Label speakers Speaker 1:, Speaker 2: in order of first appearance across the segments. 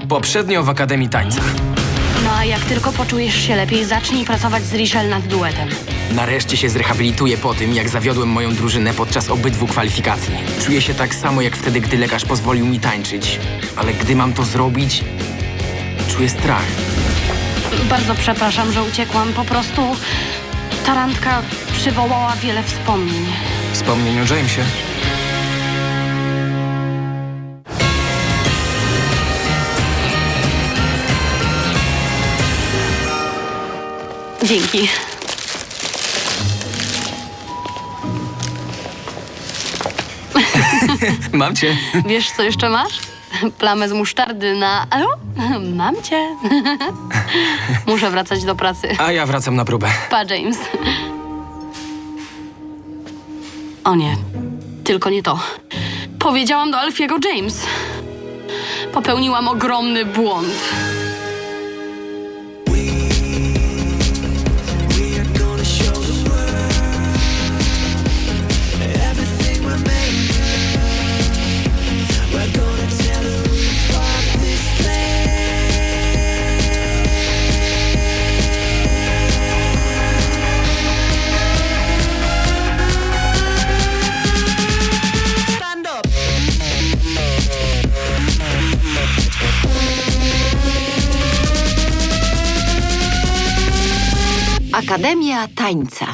Speaker 1: Poprzednio w Akademii Tańca.
Speaker 2: No a jak tylko poczujesz się lepiej, zacznij pracować z Richelle nad duetem.
Speaker 1: Nareszcie się zrehabilituję po tym, jak zawiodłem moją drużynę podczas obydwu kwalifikacji. Czuję się tak samo jak wtedy, gdy lekarz pozwolił mi tańczyć. Ale gdy mam to zrobić, czuję strach.
Speaker 2: Bardzo przepraszam, że uciekłam. Po prostu ta randka przywołała wiele wspomnień.
Speaker 1: Wspomnień o Jamesie.
Speaker 2: Dzięki.
Speaker 1: Mam cię.
Speaker 2: Wiesz, co jeszcze masz? Plamę z musztardy na... Mam cię. Muszę wracać do pracy.
Speaker 1: A ja wracam na próbę.
Speaker 2: Pa, James. O nie, tylko nie to. Powiedziałam do Alfiego James. Popełniłam ogromny błąd.
Speaker 3: Akademia Tańca.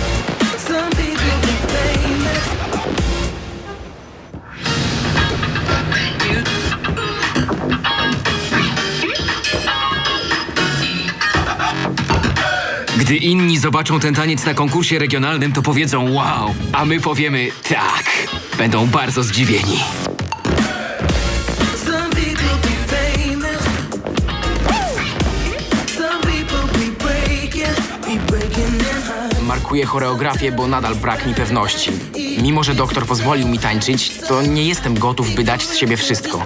Speaker 4: Gdy inni zobaczą ten taniec na konkursie regionalnym, to powiedzą wow, a my powiemy tak. Będą bardzo zdziwieni.
Speaker 1: Markuję choreografię, bo nadal brak mi pewności. Mimo że doktor pozwolił mi tańczyć, to nie jestem gotów, by dać z siebie wszystko.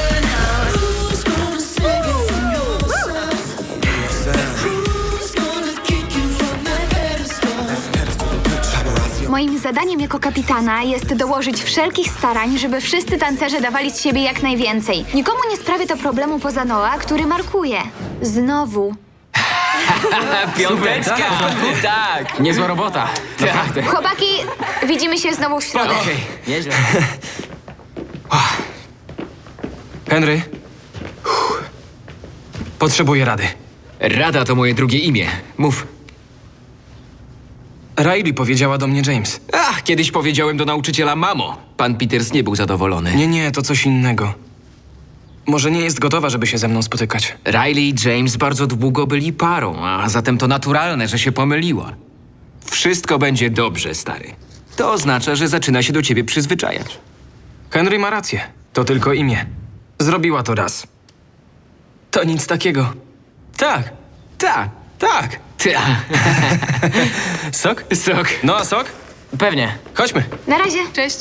Speaker 5: Moim zadaniem jako kapitana jest dołożyć wszelkich starań, żeby wszyscy tancerze dawali z siebie jak najwięcej. Nikomu nie sprawię to problemu poza Noah, który markuje. Znowu.
Speaker 1: Piąteczka! Tak! Niezła robota. Naprawdę.
Speaker 5: Chłopaki, widzimy się znowu w środę.
Speaker 1: Okej, nieźle. Henry. Potrzebuję rady.
Speaker 4: Rada to moje drugie imię. Mów.
Speaker 1: Riley powiedziała do mnie James.
Speaker 4: Ach, kiedyś powiedziałem do nauczyciela mamo. Pan Peters nie był zadowolony.
Speaker 1: Nie, to coś innego. Może nie jest gotowa, żeby się ze mną spotykać.
Speaker 4: Riley i James bardzo długo byli parą, a zatem to naturalne, że się pomyliła. Wszystko będzie dobrze, stary. To oznacza, że zaczyna się do ciebie przyzwyczajać.
Speaker 1: Henry ma rację. To tylko imię. Zrobiła to raz. To nic takiego. Tak.
Speaker 4: Tak.
Speaker 1: Tak. Sok?
Speaker 4: Sok.
Speaker 1: No a sok? Pewnie. Chodźmy.
Speaker 5: Na razie.
Speaker 2: Cześć.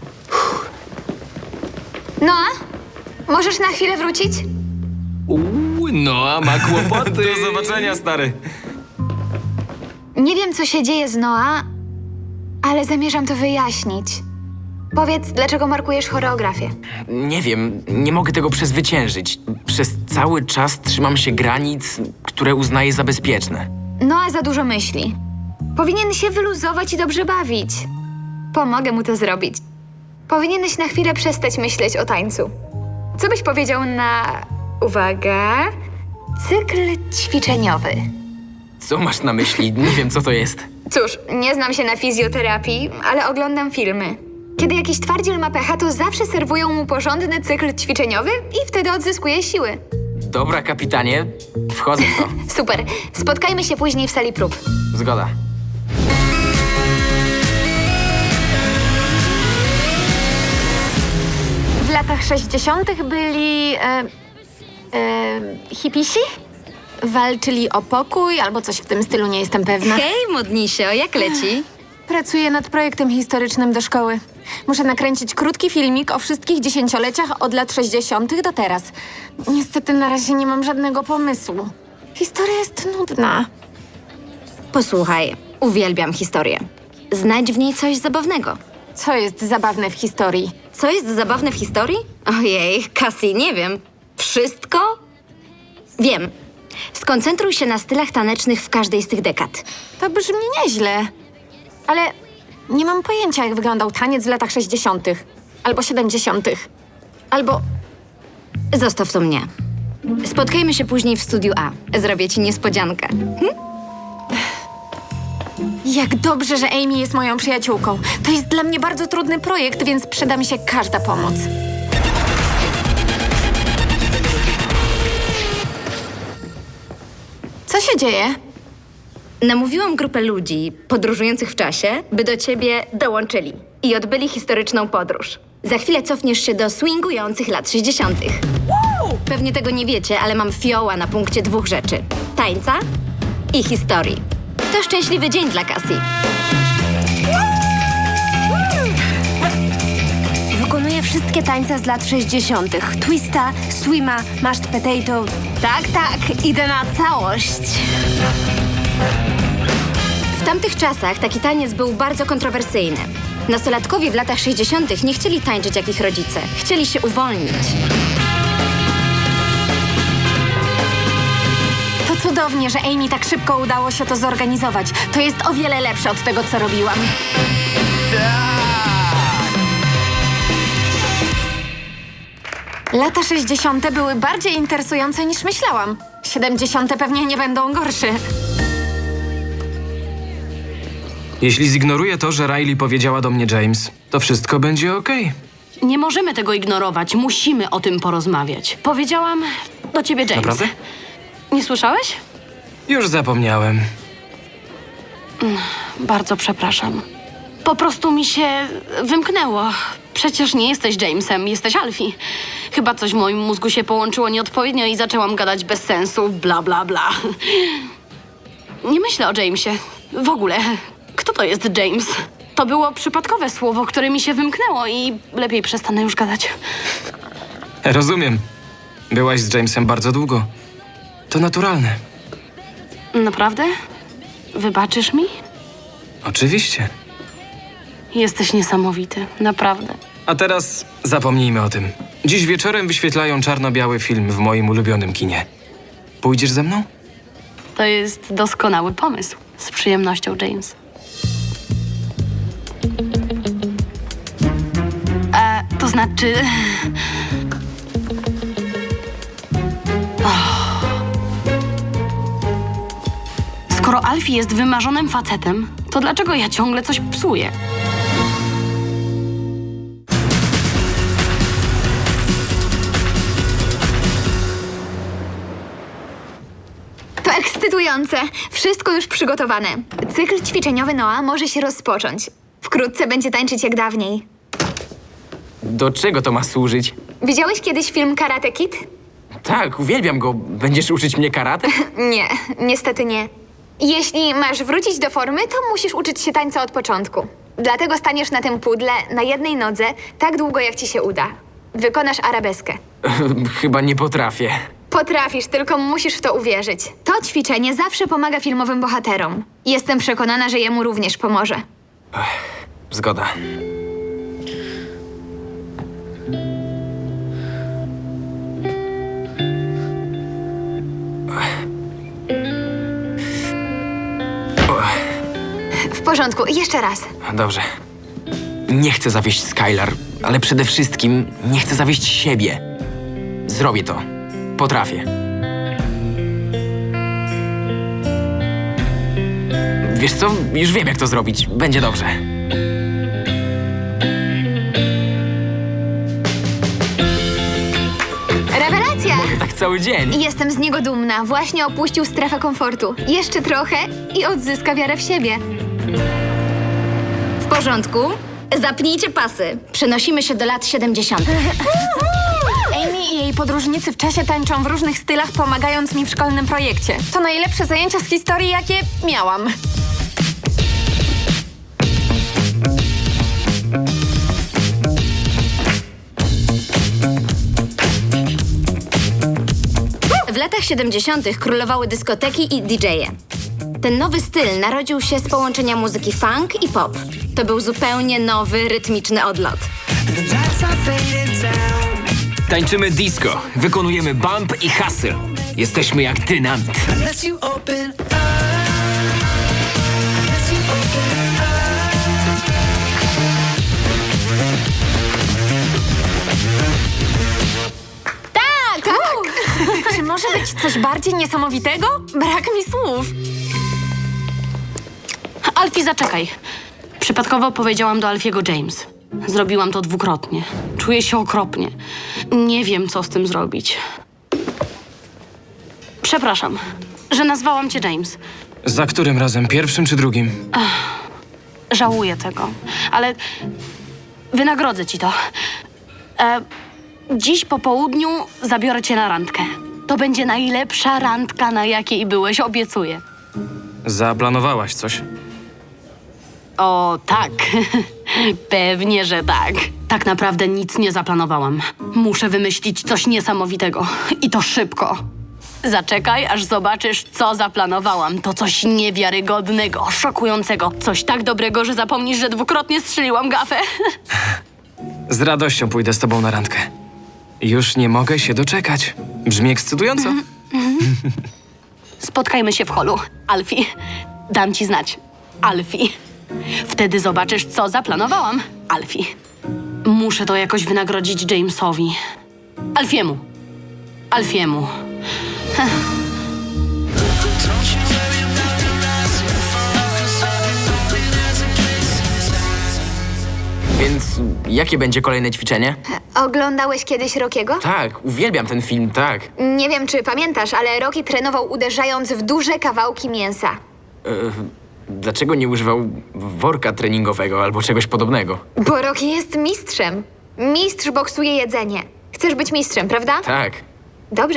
Speaker 5: Noah, możesz na chwilę wrócić?
Speaker 4: No, a ma kłopoty.
Speaker 1: Do zobaczenia, stary.
Speaker 5: Nie wiem, co się dzieje z Noah, ale zamierzam to wyjaśnić. Powiedz, dlaczego markujesz choreografię?
Speaker 1: Nie wiem, nie mogę tego przezwyciężyć. Przez cały czas trzymam się granic, które uznaję za bezpieczne.
Speaker 5: Noah za dużo myśli. Powinien się wyluzować i dobrze bawić. Pomogę mu to zrobić. Powinieneś na chwilę przestać myśleć o tańcu. Co byś powiedział na... Uwaga... Cykl ćwiczeniowy.
Speaker 1: Co masz na myśli? Nie wiem, co to jest.
Speaker 5: Cóż, nie znam się na fizjoterapii, ale oglądam filmy. Kiedy jakiś twardziel ma pecha, to zawsze serwują mu porządny cykl ćwiczeniowy i wtedy odzyskuje siły.
Speaker 1: Dobra, kapitanie. Wchodzę w to.
Speaker 5: Super. Spotkajmy się później w sali prób.
Speaker 1: Zgoda.
Speaker 6: W latach 60. byli hipisi? Walczyli o pokój albo coś w tym stylu, nie jestem pewna.
Speaker 3: Hej, Modnisio, jak leci?
Speaker 6: Pracuję nad projektem historycznym do szkoły. Muszę nakręcić krótki filmik o wszystkich dziesięcioleciach od lat 60. do teraz. Niestety na razie nie mam żadnego pomysłu. Historia jest nudna.
Speaker 3: Posłuchaj, uwielbiam historię. Znajdź w niej coś zabawnego.
Speaker 6: Co jest zabawne w historii?
Speaker 3: Co jest zabawne w historii? Ojej, Cassie, nie wiem. Wszystko? Wiem. Skoncentruj się na stylach tanecznych w każdej z tych dekad.
Speaker 6: To brzmi nieźle. Ale nie mam pojęcia, jak wyglądał taniec w latach 60. albo 70. Albo...
Speaker 3: Zostaw to mnie. Spotkajmy się później w studiu A. Zrobię ci niespodziankę.
Speaker 6: Jak dobrze, że Amy jest moją przyjaciółką. To jest dla mnie bardzo trudny projekt, więc przyda mi się każda pomoc. Co się dzieje?
Speaker 3: Namówiłam grupę ludzi podróżujących w czasie, by do ciebie dołączyli i odbyli historyczną podróż. Za chwilę cofniesz się do swingujących lat 60. Pewnie tego nie wiecie, ale mam fioła na punkcie 2 rzeczy. Tańca i historii. To szczęśliwy dzień dla Cassie.
Speaker 7: Wykonuję wszystkie tańce z lat 60. Twista, swima, mashed potato. Tak, idę na całość.
Speaker 3: W tamtych czasach taki taniec był bardzo kontrowersyjny. Nastolatkowie w latach 60. nie chcieli tańczyć jak ich rodzice. Chcieli się uwolnić.
Speaker 6: To cudownie, że Amy tak szybko udało się to zorganizować. To jest o wiele lepsze od tego, co robiłam. Lata 60. były bardziej interesujące niż myślałam. 70. pewnie nie będą gorsze.
Speaker 1: Jeśli zignoruję to, że Riley powiedziała do mnie James, to wszystko będzie okej.
Speaker 2: Nie możemy tego ignorować. Musimy o tym porozmawiać. Powiedziałam do ciebie James.
Speaker 1: Naprawdę?
Speaker 2: Nie słyszałeś?
Speaker 1: Już zapomniałem.
Speaker 2: Bardzo przepraszam. Po prostu mi się wymknęło. Przecież nie jesteś Jamesem, jesteś Alfie. Chyba coś w moim mózgu się połączyło nieodpowiednio i zaczęłam gadać bez sensu, bla, bla, bla. Nie myślę o Jamesie. W ogóle. Kto to jest James? To było przypadkowe słowo, które mi się wymknęło i lepiej przestanę już gadać.
Speaker 1: Rozumiem. Byłaś z Jamesem bardzo długo. To naturalne.
Speaker 2: Naprawdę? Wybaczysz mi?
Speaker 1: Oczywiście.
Speaker 2: Jesteś niesamowity, naprawdę.
Speaker 1: A teraz zapomnijmy o tym. Dziś wieczorem wyświetlają czarno-biały film w moim ulubionym kinie. Pójdziesz ze mną?
Speaker 2: To jest doskonały pomysł. Z przyjemnością, James. To znaczy... Skoro Alfie jest wymarzonym facetem, to dlaczego ja ciągle coś psuję?
Speaker 5: To ekscytujące. Wszystko już przygotowane. Cykl ćwiczeniowy Noa może się rozpocząć. Wkrótce będzie tańczyć jak dawniej.
Speaker 1: Do czego to ma służyć?
Speaker 5: Widziałeś kiedyś film Karate Kid?
Speaker 1: Tak, uwielbiam go. Będziesz uczyć mnie karate?
Speaker 5: Nie, niestety nie. Jeśli masz wrócić do formy, to musisz uczyć się tańca od początku. Dlatego staniesz na tym pudle, na jednej nodze, tak długo jak ci się uda. Wykonasz arabeskę.
Speaker 1: Chyba nie potrafię.
Speaker 5: Potrafisz, tylko musisz w to uwierzyć. To ćwiczenie zawsze pomaga filmowym bohaterom. Jestem przekonana, że jemu również pomoże.
Speaker 1: Zgoda.
Speaker 5: W porządku, jeszcze raz.
Speaker 1: Dobrze. Nie chcę zawieść Skylar, ale przede wszystkim nie chcę zawieść siebie. Zrobię to. Potrafię. Wiesz co? Już wiem, jak to zrobić. Będzie dobrze.
Speaker 5: Rewelacja!
Speaker 1: Tak cały dzień.
Speaker 5: Jestem z niego dumna. Właśnie opuścił strefę komfortu. Jeszcze trochę i odzyska wiarę w siebie.
Speaker 3: W porządku? Zapnijcie pasy. Przenosimy się do lat 70.
Speaker 6: Amy i jej podróżnicy w czasie tańczą w różnych stylach, pomagając mi w szkolnym projekcie. To najlepsze zajęcia z historii, jakie miałam.
Speaker 3: W latach 70. królowały dyskoteki i DJ-e. Ten nowy styl narodził się z połączenia muzyki funk i pop. To był zupełnie nowy, rytmiczny odlot.
Speaker 4: Tańczymy disco, wykonujemy bump i hustle. Jesteśmy jak dynamit.
Speaker 8: Unless you open up. Unless you open
Speaker 6: Czy może być coś bardziej niesamowitego? Brak mi słów.
Speaker 2: Alfie, zaczekaj. Przypadkowo powiedziałam do Alfiego James. Zrobiłam to dwukrotnie. Czuję się okropnie. Nie wiem, co z tym zrobić. Przepraszam, że nazwałam cię James.
Speaker 1: Za którym razem? Pierwszym czy drugim?
Speaker 2: Żałuję tego, ale wynagrodzę ci to. Dziś po południu zabiorę cię na randkę. To będzie najlepsza randka, na jakiej byłeś, obiecuję.
Speaker 1: Zaplanowałaś coś?
Speaker 2: O, tak. Pewnie, że tak. Tak naprawdę nic nie zaplanowałam. Muszę wymyślić coś niesamowitego. I to szybko. Zaczekaj, aż zobaczysz, co zaplanowałam. To coś niewiarygodnego, szokującego. Coś tak dobrego, że zapomnisz, że dwukrotnie strzeliłam gafę.
Speaker 1: Z radością pójdę z tobą na randkę. Już nie mogę się doczekać. Brzmi ekscytująco.
Speaker 2: Spotkajmy się w holu. Alfie, dam ci znać. Alfie. Wtedy zobaczysz, co zaplanowałam. Alfie. Muszę to jakoś wynagrodzić Jamesowi. Alfiemu. Alfiemu.
Speaker 1: Więc jakie będzie kolejne ćwiczenie?
Speaker 5: Oglądałeś kiedyś Rockiego?
Speaker 1: Tak, uwielbiam ten film, tak.
Speaker 5: Nie wiem, czy pamiętasz, ale Rocky trenował uderzając w duże kawałki mięsa.
Speaker 1: Dlaczego nie używał worka treningowego albo czegoś podobnego?
Speaker 5: Bo Rocky jest mistrzem. Mistrz boksuje jedzenie. Chcesz być mistrzem, prawda?
Speaker 1: Tak.
Speaker 5: Dobrze.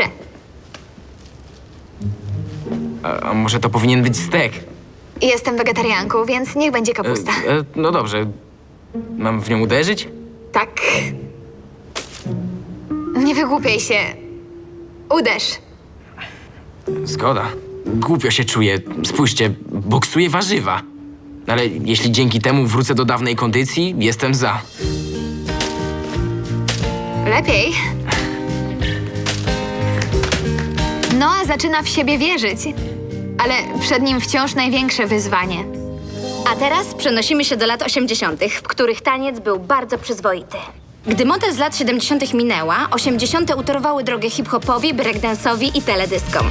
Speaker 1: A może to powinien być stek?
Speaker 5: Jestem wegetarianką, więc niech będzie kapusta.
Speaker 1: No dobrze. Mam w nią uderzyć?
Speaker 5: Tak. Nie wygłupiaj się. Uderz.
Speaker 1: Zgoda. Głupio się czuję. Spójrzcie, boksuję warzywa. Ale jeśli dzięki temu wrócę do dawnej kondycji, jestem za.
Speaker 5: Lepiej. Noah zaczyna w siebie wierzyć, ale przed nim wciąż największe wyzwanie.
Speaker 3: A teraz przenosimy się do lat 80., w których taniec był bardzo przyzwoity. Gdy moda z lat 70. minęła, 80. utorowały drogę hip-hopowi, breakdance'owi i teledyskom.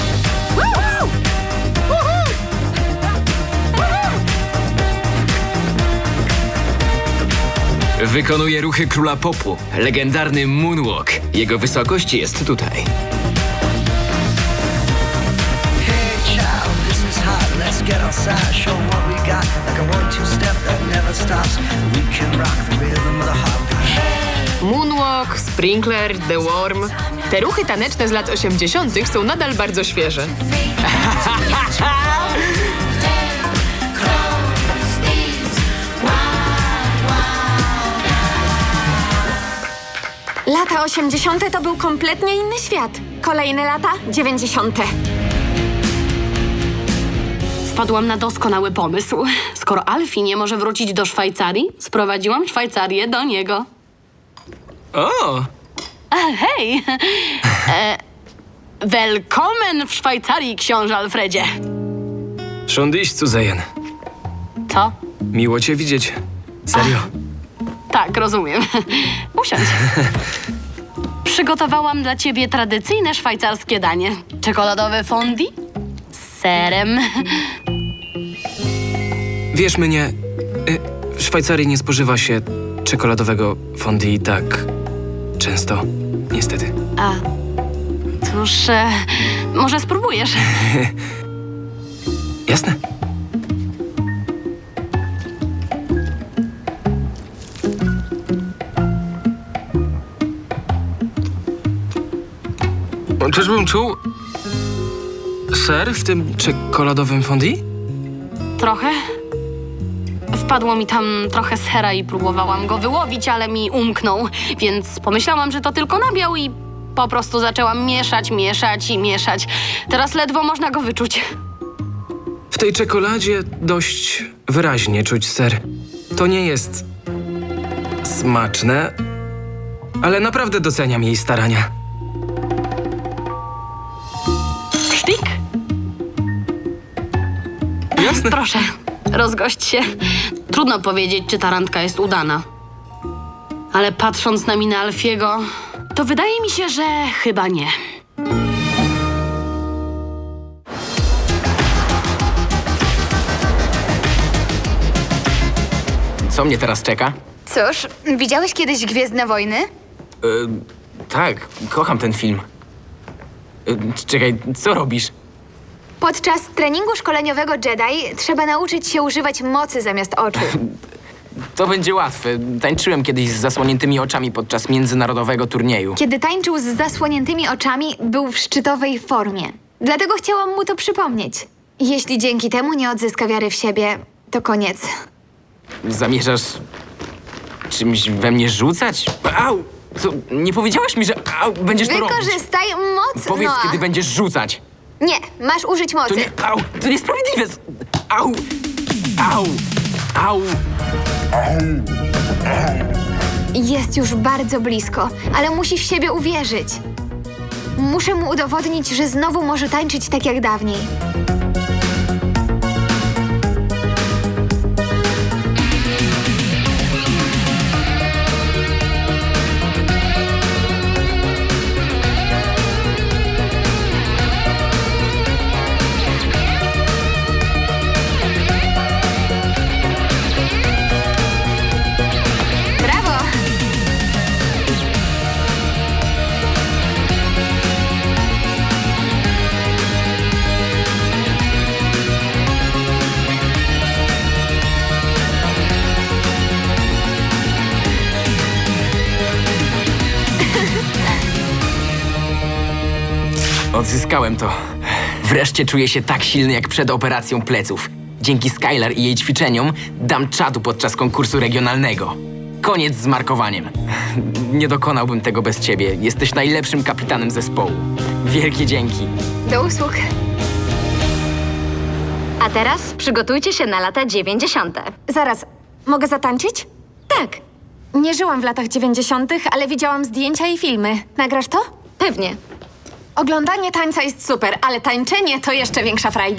Speaker 4: Wykonuje ruchy króla popu, legendarny moonwalk. Jego wysokość jest tutaj.
Speaker 8: Hey child, this is hot. Let's get outside, show what we got. Like a 1-2 step that never stops. We can rock the rhythm of the heartbeat.
Speaker 9: Moonwalk, Sprinkler, The Worm. Te ruchy taneczne z lat 80. są nadal bardzo świeże.
Speaker 6: Lata 80. to był kompletnie inny świat. Kolejne lata 90.
Speaker 2: Wpadłam na doskonały pomysł. Skoro Alfie nie może wrócić do Szwajcarii, sprowadziłam Szwajcarię do niego.
Speaker 1: O!
Speaker 2: Hej! Willkommen w Szwajcarii, książę Alfredzie.
Speaker 1: Schon dich zu sehen.
Speaker 2: Co?
Speaker 1: Miło cię widzieć. Serio.
Speaker 2: Tak, rozumiem. Usiądź. Przygotowałam dla ciebie tradycyjne szwajcarskie danie. Czekoladowe fondue z serem.
Speaker 1: Wiesz mnie, w Szwajcarii nie spożywa się czekoladowego fondue tak często, niestety.
Speaker 2: A, cóż, może spróbujesz?
Speaker 1: Jasne. Czyżbym czuł ser w tym czekoladowym fondue?
Speaker 2: Trochę. Wpadło mi tam trochę sera i próbowałam go wyłowić, ale mi umknął, więc pomyślałam, że to tylko nabiał i po prostu zaczęłam mieszać, mieszać i mieszać. Teraz ledwo można go wyczuć.
Speaker 1: W tej czekoladzie dość wyraźnie czuć ser. To nie jest smaczne, ale naprawdę doceniam jej starania.
Speaker 2: Sztik?
Speaker 1: Jasne.
Speaker 2: Proszę, rozgość się. Trudno powiedzieć, czy ta randka jest udana. Ale patrząc na minę Alfiego, to wydaje mi się, że chyba nie.
Speaker 1: Co mnie teraz czeka?
Speaker 5: Cóż, widziałeś kiedyś Gwiezdne Wojny?
Speaker 1: Tak, kocham ten film. Czekaj, co robisz?
Speaker 5: Podczas treningu szkoleniowego Jedi trzeba nauczyć się używać mocy zamiast oczu.
Speaker 1: To będzie łatwe. Tańczyłem kiedyś z zasłoniętymi oczami podczas międzynarodowego turnieju.
Speaker 5: Kiedy tańczył z zasłoniętymi oczami, był w szczytowej formie. Dlatego chciałam mu to przypomnieć. Jeśli dzięki temu nie odzyska wiary w siebie, to koniec.
Speaker 1: Zamierzasz czymś we mnie rzucać? Au! Co, nie powiedziałaś mi, że będziesz to robić?
Speaker 5: Wykorzystaj moc,
Speaker 1: Powiedz,
Speaker 5: Noah.
Speaker 1: kiedy będziesz rzucać.
Speaker 5: Nie, masz użyć mocy.
Speaker 1: To nie... Au! To niesprawiedliwe! Au! Au! Au!
Speaker 5: Jest już bardzo blisko, ale musi w siebie uwierzyć. Muszę mu udowodnić, że znowu może tańczyć tak jak dawniej. Brawo!
Speaker 1: Odzyskałem to. Wreszcie czuję się tak silny jak przed operacją pleców. Dzięki Skylar i jej ćwiczeniom dam czadu podczas konkursu regionalnego. Koniec z markowaniem. Nie dokonałbym tego bez ciebie. Jesteś najlepszym kapitanem zespołu. Wielkie dzięki.
Speaker 5: Do usług.
Speaker 3: A teraz przygotujcie się na lata 90.
Speaker 6: Zaraz, mogę zatańczyć?
Speaker 3: Tak,
Speaker 6: Nie żyłam w latach 90., ale widziałam zdjęcia i filmy. Nagrasz to?
Speaker 3: pewnie.
Speaker 6: Oglądanie tańca jest super, ale tańczenie to jeszcze większa frajda.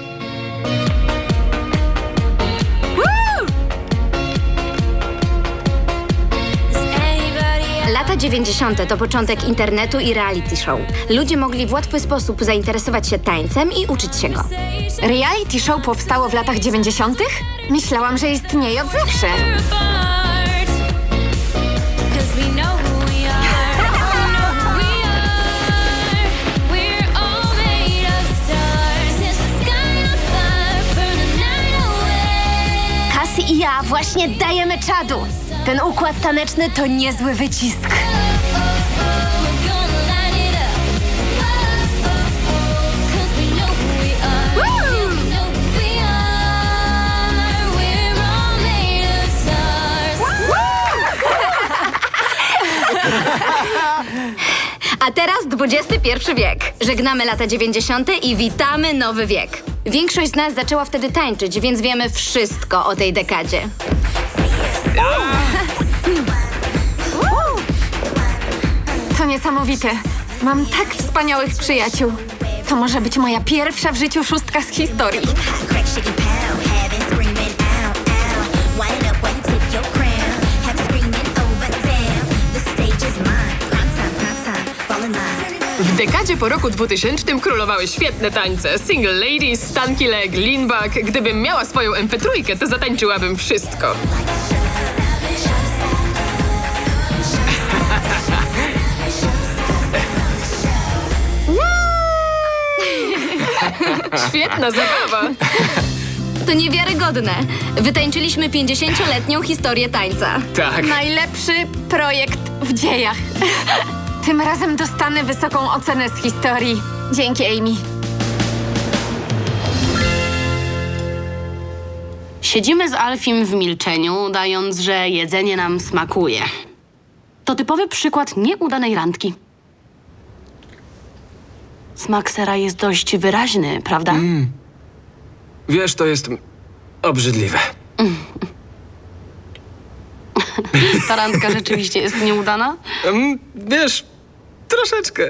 Speaker 3: Lata 90. to początek internetu i reality show. Ludzie mogli w łatwy sposób zainteresować się tańcem i uczyć się go.
Speaker 6: Reality show powstało w latach 90.? Myślałam, że istnieje od zawsze.
Speaker 7: Cassie i ja właśnie dajemy czadu. Ten układ taneczny to niezły wycisk.
Speaker 3: A teraz XXI wiek. Żegnamy lata 90. i witamy nowy wiek. Większość z nas zaczęła wtedy tańczyć, więc wiemy wszystko o tej dekadzie.
Speaker 6: To niesamowite. Mam tak wspaniałych przyjaciół. To może być moja pierwsza w życiu szóstka z historii.
Speaker 10: Crack, shake, and pound, have it screaming, ow, ow. Wind it up when you take your crown, have it screaming over down. The stage is mine, prime time, fall in line.
Speaker 9: W dekadzie po roku 2000 królowały świetne tańce. Single ladies, stanky leg, lean back. Gdybym miała swoją MP3, to zatańczyłabym wszystko. Świetna zabawa.
Speaker 3: To niewiarygodne. Wytańczyliśmy 50-letnią historię tańca.
Speaker 1: Tak.
Speaker 6: Najlepszy projekt w dziejach. Tym razem dostanę wysoką ocenę z historii. Dzięki, Amy.
Speaker 2: Siedzimy z Alfim w milczeniu, udając, że jedzenie nam smakuje. To typowy przykład nieudanej randki. Smak sera jest dość wyraźny, prawda?
Speaker 1: Wiesz, to jest obrzydliwe.
Speaker 2: Ta randka rzeczywiście jest nieudana?
Speaker 1: Wiesz, troszeczkę.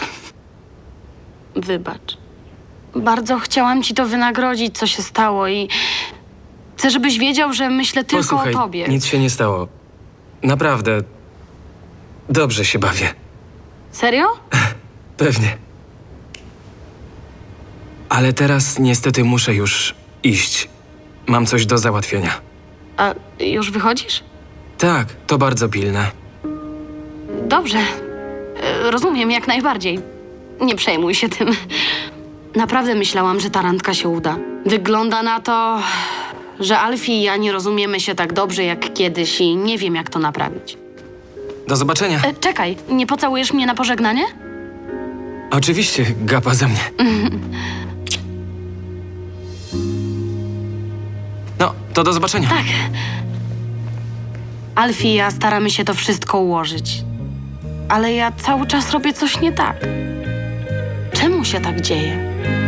Speaker 2: Wybacz. Bardzo chciałam ci to wynagrodzić, co się stało i chcę, żebyś wiedział, że myślę tylko
Speaker 11: Posłuchaj,
Speaker 2: o tobie.
Speaker 11: nic się nie stało. Naprawdę. Dobrze się bawię.
Speaker 2: Serio?
Speaker 11: Pewnie. Ale teraz niestety muszę już iść. Mam coś do załatwienia.
Speaker 2: A już wychodzisz?
Speaker 11: Tak, to bardzo pilne.
Speaker 2: Dobrze. Rozumiem, jak najbardziej. Nie przejmuj się tym. Naprawdę myślałam, że ta randka się uda. Wygląda na to, że Alfie i ja nie rozumiemy się tak dobrze jak kiedyś i nie wiem, jak to naprawić.
Speaker 11: Do zobaczenia.
Speaker 2: Czekaj, nie pocałujesz mnie na pożegnanie?
Speaker 11: Oczywiście, gapa ze mnie. No, to do zobaczenia.
Speaker 2: Tak. Alfie i ja staramy się to wszystko ułożyć. Ale ja cały czas robię coś nie tak. Czemu się tak dzieje?